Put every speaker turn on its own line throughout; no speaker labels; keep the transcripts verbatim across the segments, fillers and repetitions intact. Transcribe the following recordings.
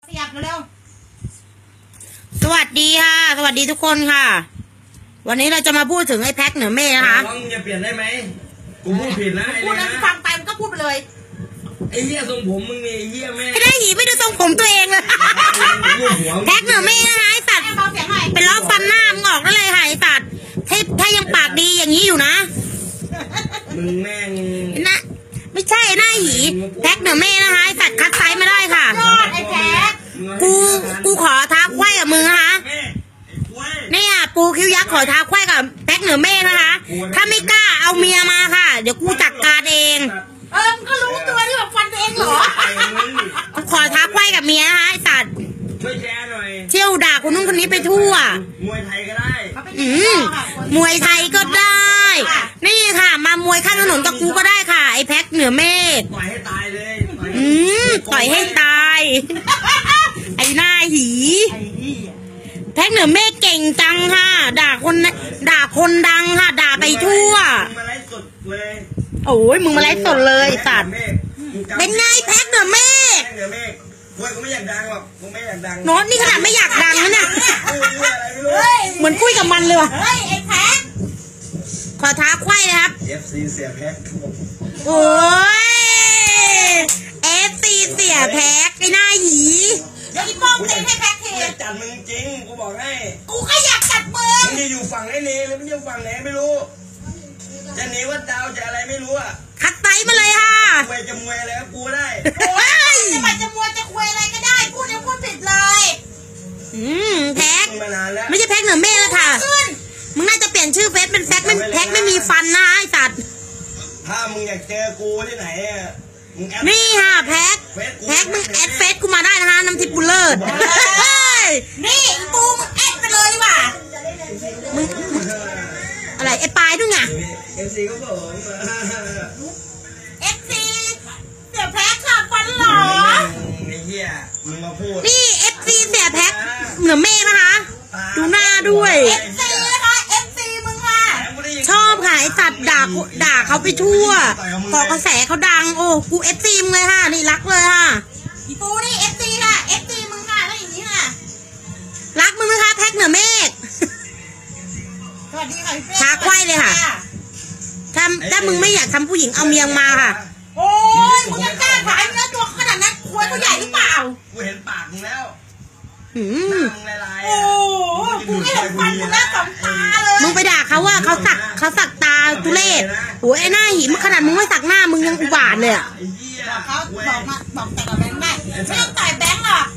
ขยับเร็ว
สวัสดีค่ะสวัสดีทุกคนค่ะวันนี้เราจะมาพูดถึงไอ้แพ็คเหนือเมฆนะคะ
น้องจะเปลี่ยนได้ไหมกูพูดผิดนะ
พูดแล้วฟังไปมันก็พูดไปเลย
ไอ้เหี้ยทรงผมมึงนี่ไอ้เหี้ยแม่
ไอ้ได้หีไม่ดูทรงผมตัวเองเลยแพ็คเหนือเมฆนะคะไอ้สัตว์เป็นล้อฟันหน้ามึงออกได้เลยค่ะไอ้สัตว์ถ้าถ้ายังปากดีอย่างนี้อยู่นะ
มึงแม่ง
นะไม่ใช่หน้าหีแพ็คเหนือเมฆนะคะไอ้สัตว์คัดไซส์มาได้ค่ะ
ไอ้แพ็ค
กูกูขอท้าไขว้กับมึงนะคะเนี่ยปูคิ้วยักษ์ขอท้าไขว้กับแพ็คเหนือเมฆนะคะถ้าไม่กล้าเอาเมียมาค่ะเดี๋ยวกูจัดการเอง
เออมึงก็รู้ตัวที่แบบฟันตัวเองเหรอ
กูขอท้าไขว้กับเมียนะคะไอ้สัตว์
ช่วยแชร์หน่อย
เที่ยวด่าคนนู้นคนนี้ไปทั่ว
มวยไทยก็ได้
อืมมวยไทยก็ได้นี่ค่ะมามวยข้างถนนกับกูก็ได้ค่ะไอ้แพ็คเหนือเมฆ
ต่อยให้ตายเลย
อืมต่อยให้ตายไอ้หน้าหีแพ็คเหนือเมฆเก่งจังค่ะด่าคนด่าคนดังค่ะด่าไปทั่ว
มาไลฟ์สดเลย
โอ้ยมึงมาไลฟ์สดเลยสัตว์เป็นไงแพ็คเหนือเมฆ
เหนือเมฆกูไม่อยากดังหรอกกูไม่อยากดัง
โน้ตนี่ขนาดไม่อยากดังนะเนี่ยเหมือนคุยกับมันเลยว่ะ
เฮ้ยไอ้แพ็ค
ขอท้าไขว้นะครับ
เอฟ ซี เสียแพ็ค
โอ้ย เอฟ ซี เสียแพ็คไอ้หน้าหี
เดี๋ยวอีโป้งเต็มให้แพ็คเท
จัดมึงจริงกูบอกให้
กูก็อยากจัดมึง
มึงจะอยู่ฝั่งไหนเนหรือมึงอยู่ฝั่งไหนไม่รู้จะหนีว่าดาวจะอะไรไม่รู้อ่ะ
คัดไตมาเลยค่ะ
มวยจะมวยอะไรก็กูได้
โอ้ยจะมาจะมวยจะคุยอะไรก็ได้พูดยังพูดผิดเลย
อืมแพ็คไม่ใช่แพ็คเหนือเมฆแล้วค่ะมึงน่าจะเปลี่ยนชื่อเฟซเป็นแพ็คไม่แพ็คไม่มีฟันนะไอ้สัตว์
ถ้ามึงอยากเจอกูที่ไหน
นี่ค่ะแพ็คแพ็คมึงแอดเฟซกูมาได้นะคะน้ำทิพย์บุลเลอร์
นี่ปูมึงแอดไปเลยว่ะ
มึงอะไรไอ้ปลายด้วยไง
เอฟซีก็ผม
เอฟซีเสียแพ็คค่ะฟันหรอ
ไอ้เหี้ยมึงมาพูด
นี่เอฟซีเสียแพ็คเหนือเมฆนะคะดูหน้าด้วย
เอฟซีนะคะเอฟซีมึงค่ะ
ชอบค่ะไอ้สัตว์ด่าด่าเขาไปทั่วก่อกระแสเขาดังโอ้กูเอฟซีมึงเลยค่ะนี่รักเลยค่ะ
พี่ปูนี่เอฟซีค่ะเอฟซีมึงค่ะแล้วอย่างนี้ค่ะ
รักมึงไหมคะแพ็คเหนือเมฆ
สวัสดีค่ะพี่
ท้าไขว้เลยค่ะถ้าถ้ามึงไม่อยากทำผู้หญิงเอาเมียงมาค่ะ
โอ้ยมึงยังกล้าขายเนื้อตัวขนาดนั้นควรตัวใหญ่หรือเปล่า
กูเห็นปากมึงแล้ว
อืม
โอ้กูไม่เห็นฟันมึงแล้วสองตาเลย
มึงไปด่าเขาว่าเขาสักเขาสักตาทุเรศโอ้ยไอ้หน้าหิมขนาดมึงไม่สักหน้ามึงยังอุบาทเลยอ่ะ
บอกเขาบอกมาบอกแต่กับแบงค์ได้ไม่ต้องต่อยแบงค์หรอก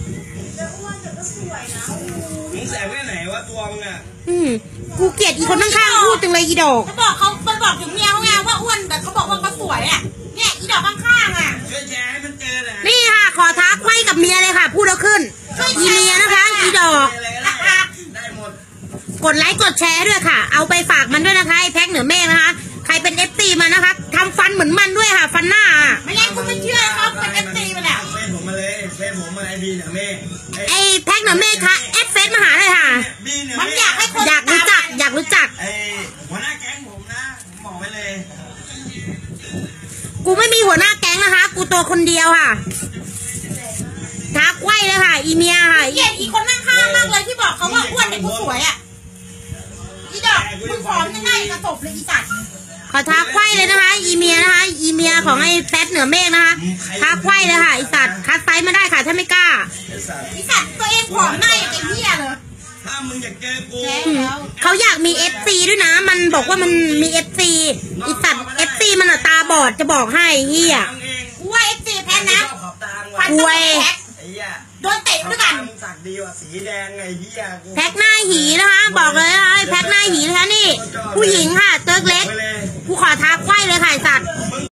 มึงแสบแค่ไหนวะตัวมึงอ่ะ
อืมกูเกลียดอีคนข้างๆพูดจังเลยอีดอก
เขาบอกเขาไปบอกถึงเมียเขาไงว่าอ้วนแต่เขาบอกว่าเขาสวยอ่ะเนี่ยอีดอกข้างๆอ่ะ
ช่วยแชร์ให้มันเจอเลย
นี่ค่ะขอท้าไขว้กับเมียเลยค่ะพูดแล้วขึ้นอีเมียนะคะอีดอก
ได้หมด
กดไลค์กดแชร์ด้วยค่ะเอาไปฝากมันด้วยนะคะไอ้แพ็คเหนือเมฆนะคะใครเป็นเอฟซีมานะคะทำฟันเหมือนมันด้วยค่ะฟันหน้า
ไม่งั้นกูไม่เชื่อเขาเป็นเอฟซีมาแล้ว
เฟซผมมาเลยเฟซผมมาไอบีเหนือเมฆ
ไอ้แพ็คเหนือเมฆค่ะแอดเฟซมาหาเลยค่ะ
มันอยากให้คน
อยากรู้จักอยากรู้จัก
ไอ้หัวหน้าแก๊งผมนะผมบอกไว้เลย
กูไม่มีหัวหน้าแก๊งนะคะกูตัวคนเดียวค่ะท้าไขว้เลยค่ะอีเมียค่ะ
เกลียดอีคนข้างๆมากเลยที่บอกเขาว่าอ้วนแต่กูสวยอ่ะอีดอกมึงผอมยังไงกระตบเลยอีสัตว์
ขอท้าไขว้เลยนะคะอีเมียนะคะอีเมียของไอ้แพ็คเหนือเมฆนะคะท้าไขว้เลยค่ะไอ้สัตว์คัดไซส์มาได้ค่ะถ้าไม่กล้า
อีสัตว์ตัวเองผอมหน้าอย่างไอ้เหี้ยเลย
ถ้ามึงอยากเจอกู
เขาอยากมีเอฟซีด้วยนะมันบอกว่ามันมีเอฟซีอีสัตว์เอฟซีมันตาบอดจะบอกให้เหี้ย
กูว่าเอฟซีแพ้นะ
ฟันต้องแพ็ค
โดนเตะด้วยกัน
สักดีว่ะสีแดงไงเหี้ย
แพ็คหน้าหีนะคะบอกเลยนะคะแพ็คหน้าหีนะคะนี่ผู้หญิงค่ะเติร์กเล็กกูขอท้าไขว้เลยค่ะสัตว์